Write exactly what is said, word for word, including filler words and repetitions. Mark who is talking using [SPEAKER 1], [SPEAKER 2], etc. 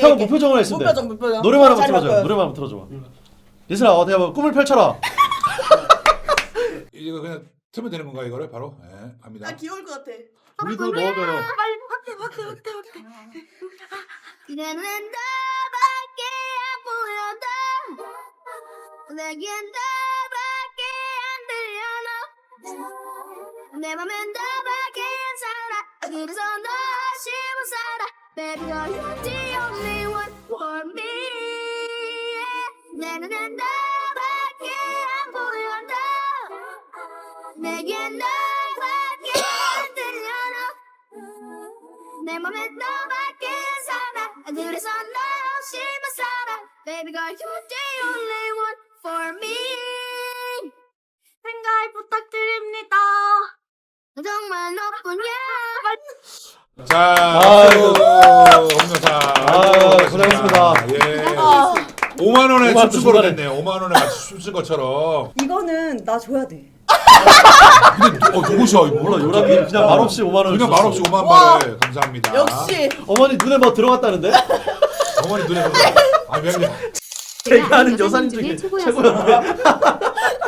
[SPEAKER 1] 오케이,
[SPEAKER 2] 형
[SPEAKER 1] 오케이.
[SPEAKER 2] 무표정을 했으면 돼.
[SPEAKER 1] 무표정, 무표정.
[SPEAKER 2] 노래만 한번
[SPEAKER 1] 잘
[SPEAKER 2] 틀어줘.
[SPEAKER 1] 바꿔요.
[SPEAKER 2] 노래만 한번 틀어줘. 예슬아 어디 한번 꿈을 펼쳐라.
[SPEAKER 3] 이거 그냥 틀면 되는 건가 이거를 바로? 예, 갑니다.
[SPEAKER 1] 아 귀여울 것 같아.
[SPEAKER 2] 우리도 넣어줘요.
[SPEAKER 1] 빨리 확대, 확대, 확대, 확대.
[SPEAKER 4] 이제는 너밖에 안 보여도 내겐 너밖에 안 들려 너 내 맘엔 너밖에 안 살아 그래서 너 없이 못 살아 Baby girl you're the only one for me 내 눈엔 너밖에 안 보여도 내겐 너밖에 안 들려 너 내 맘엔 너밖에 살아 그래서 너 없이만 살아 Baby girl you're the only one for me 생각 부탁드립니다 정말 너뿐이야
[SPEAKER 3] 자,
[SPEAKER 2] 아이고.
[SPEAKER 3] 홍여사.
[SPEAKER 2] 아, 고생하셨습니다.
[SPEAKER 3] 예.
[SPEAKER 1] 아,
[SPEAKER 3] 오만 원에
[SPEAKER 2] 오만
[SPEAKER 3] 춤춘 거로
[SPEAKER 2] 중간에.
[SPEAKER 3] 됐네요. 오만 원에 같이 춤춘 것처럼.
[SPEAKER 1] 이거는 나 줘야 돼.
[SPEAKER 3] 근데 어, 누구셔? 이거
[SPEAKER 2] 몰라 요람이 그냥 말없이 오만 원.
[SPEAKER 3] 그냥
[SPEAKER 2] 줬어.
[SPEAKER 3] 말없이 오만
[SPEAKER 1] 와.
[SPEAKER 3] 발에 감사합니다.
[SPEAKER 1] 역시.
[SPEAKER 2] 어머니 눈에 뭐 들어갔다는데?
[SPEAKER 3] 어머니 눈에 보자. 아, 미안해.
[SPEAKER 2] 제가 아는 여산 중에 최고였네.